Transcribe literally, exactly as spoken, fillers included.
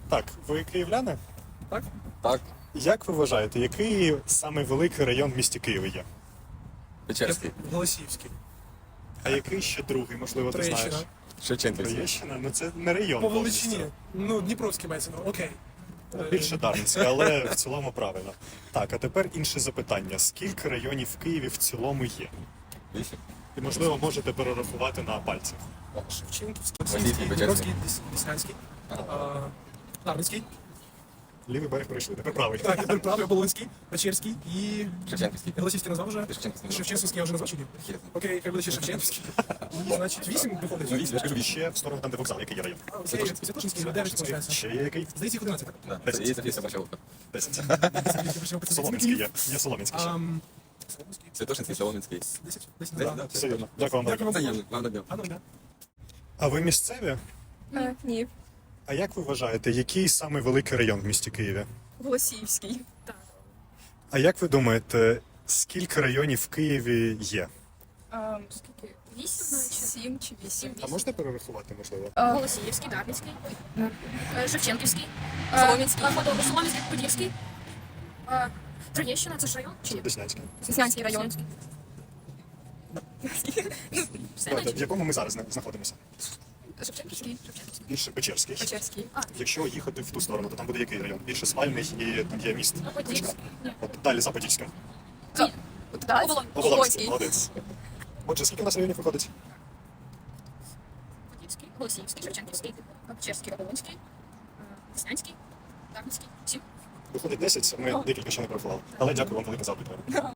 Так, ви київляни? Так? Так, Як ви вважаєте, який самий великий район в місті Києві є? Печерський, Голосіївський. А який ще другий, можливо, ти Троєщина. знаєш? Шевченківський. Троєщина? Ну це не район. По повністю. величині. Ну, Дніпровський мається, ну, окей. Ну, більше Дарницьке, але в цілому правильно. Так, а тепер інше запитання. Скільки районів в Києві в цілому є? Вісім. І, можливо, можете перерахувати на пальцях. Шевченківський, Російський, Дніпровський, Дес- Деснянський, а, Дарницький. Лівий берег пройшли, тепер правий. Так, тепер правий, Оболонський, Печерський і... Шевченківський. Голосіївський назвав вже? Шевченківський. Шевченківський я вже назвав чи ні? Хер. Окей, хай буде ще Шевченківський. І, значить, вісім виходить. Ну, вісім, я ж кажу, І вісім. ще в сторону там, де вокзал, який є район. А, окей, Святошинський, ну, дев'ять, виходить. Ще є який? Здається, їх одинадцять. Да, Десять. це є Софія Собача. Десять. Солом'янський. Солом'янський є. Є Солом'янський ще. Солом'янський. Святошинський, Солом'янський. Десять, десять, Десять, да. да? Все вірно. Дякую вам. Дякую велике. вам. Взаємно, вам добре. А, ну, да. А ви місцеві? Е, ні, А як ви вважаєте, який самий великий район в місті Києві? Голосіївський. Так. А як ви думаєте, скільки районів в Києві є? А, скільки? Вісім, наче? Сім чи вісім. А можна перерахувати, можливо? А, Голосіївський, Дарницький, е, Шевченківський, Солом'янський. е, Ходов- Солом'янський, Подільський, е, Троєщина, це ж район? Чи ні? Деснянський. Деснянський район. Все, Давайте, в наче? якому ми зараз зна- знаходимося? Шевченківський. Більше Печерський. Печерський. Якщо їхати в ту сторону, то там буде який район? Більше спальний і там є міст. А Подільський? Ні. От далі за Подільська. Ні. Так. Оболонь. Оболонський, молодець. Отже, скільки у нас районів виходить? Подільський, Голосіївський, Шевченківський, Печерський, Оболонський, е, Деснянський, Дарницький, сім. Виходить десять, ми декілька ще не порахували. Але дякую вам велике за опитування.